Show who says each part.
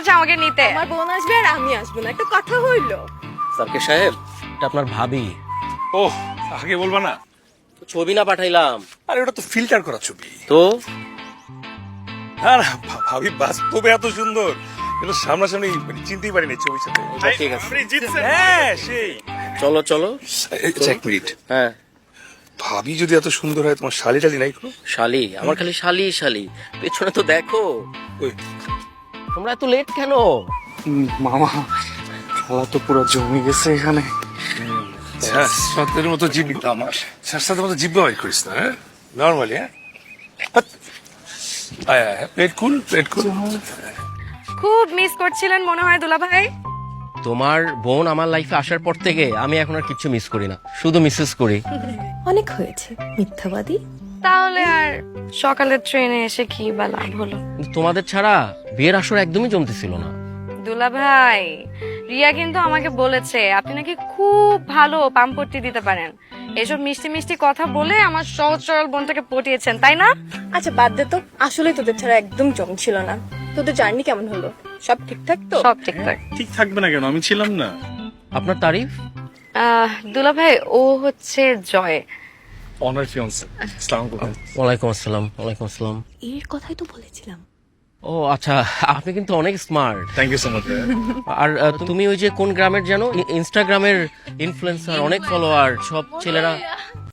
Speaker 1: বলেছে আমাকে নিতে।
Speaker 2: আমার বোন আসবে আর আমি আসবো না, একটা কথা হইলো।
Speaker 3: সার্কে সাহেব, এটা আপনার ভাবি।
Speaker 4: ও আগে বলবা না?
Speaker 3: ছবি না পাঠাইলাম
Speaker 4: আরে ওটা তো ফিল্টার করা ছবি।
Speaker 3: তো?
Speaker 4: হ্যাঁ না, ভাবি বাস্তবে এত সুন্দর, এটা সামনাসামনি মানে চিনতেই পারিনি ছবির সাথে।
Speaker 3: ঠিক আছে,
Speaker 4: হ্যাঁ সেই।
Speaker 3: চলো চলো।
Speaker 4: এক মিনিট,
Speaker 3: হ্যাঁ,
Speaker 4: ভাবি যদি এত সুন্দর হয়, তোমার শালি টালি নাই কোনো?
Speaker 3: শালি? আমার খালি শালি শালি, পেছনে তো দেখো।
Speaker 4: ওই
Speaker 3: তোমরা এত লেট কেন?
Speaker 5: মামা, খেলা তো পুরো জমে গেছে এখানে।
Speaker 4: সাতের মতো জিভ আমার সাতের মতো জিভ ব্যবহার করিস না, হ্যাঁ নর্মালি। হ্যাঁ প্লেট কুল, প্লেট কুল।
Speaker 1: খুব মিস করছিলেন মনে হয় দুলা ভাই।
Speaker 3: তোমার বোন আমার লাইফে আসার পর থেকে আমি এখন আর কিচ্ছু মিস করি না, শুধু মিসেস করি।
Speaker 2: অনেক হয়েছে মিথ্যাবাদী।
Speaker 1: তাহলে আর সকালের ট্রেনে এসে কি বা লাভ হলো?
Speaker 3: কিন্তু তোমাদের ছাড়া বিয়ের আসর একদমই জমতেছিল না।
Speaker 1: দুলা ভাই, রিয়া কিন্তু আমাকে বলেছে আপনি নাকি খুব ভালো পাম্পট্টি দিতে পারেন। এসব মিষ্টি মিষ্টি কথা বলে আমার সহজ সরল বোনটাকে পটিয়েছেন, তাই না?
Speaker 2: আচ্ছা বাদ দে তো, আসলে তোদের ছাড়া একদম জমছিল না। তোদের জার্নি কেমন হলো? সব ঠিকঠাক তো?
Speaker 1: সব ঠিকঠাক।
Speaker 5: ঠিক থাকবে না কেন, আমি ছিলাম না।
Speaker 3: আপনার তারিফ?
Speaker 1: দুলা ভাই, ও হচ্ছে জয়।
Speaker 5: Honour fiancée. আসসালামু আলাইকুম।
Speaker 3: ওয়ালাইকুম আসসালাম। ওয়ালাইকুম আসসালাম।
Speaker 2: এর কথাই তো বলেছিলাম।
Speaker 3: ও আচ্ছা, আপনি কিন্তু অনেক smart.
Speaker 5: Thank you so much.
Speaker 3: আর তুমি ওই যে কোন গ্রামের যেন ইনস্টাগ্রামের ইনফ্লুয়েন্সার, অনেক ফলোয়ার, সব ছেলেরা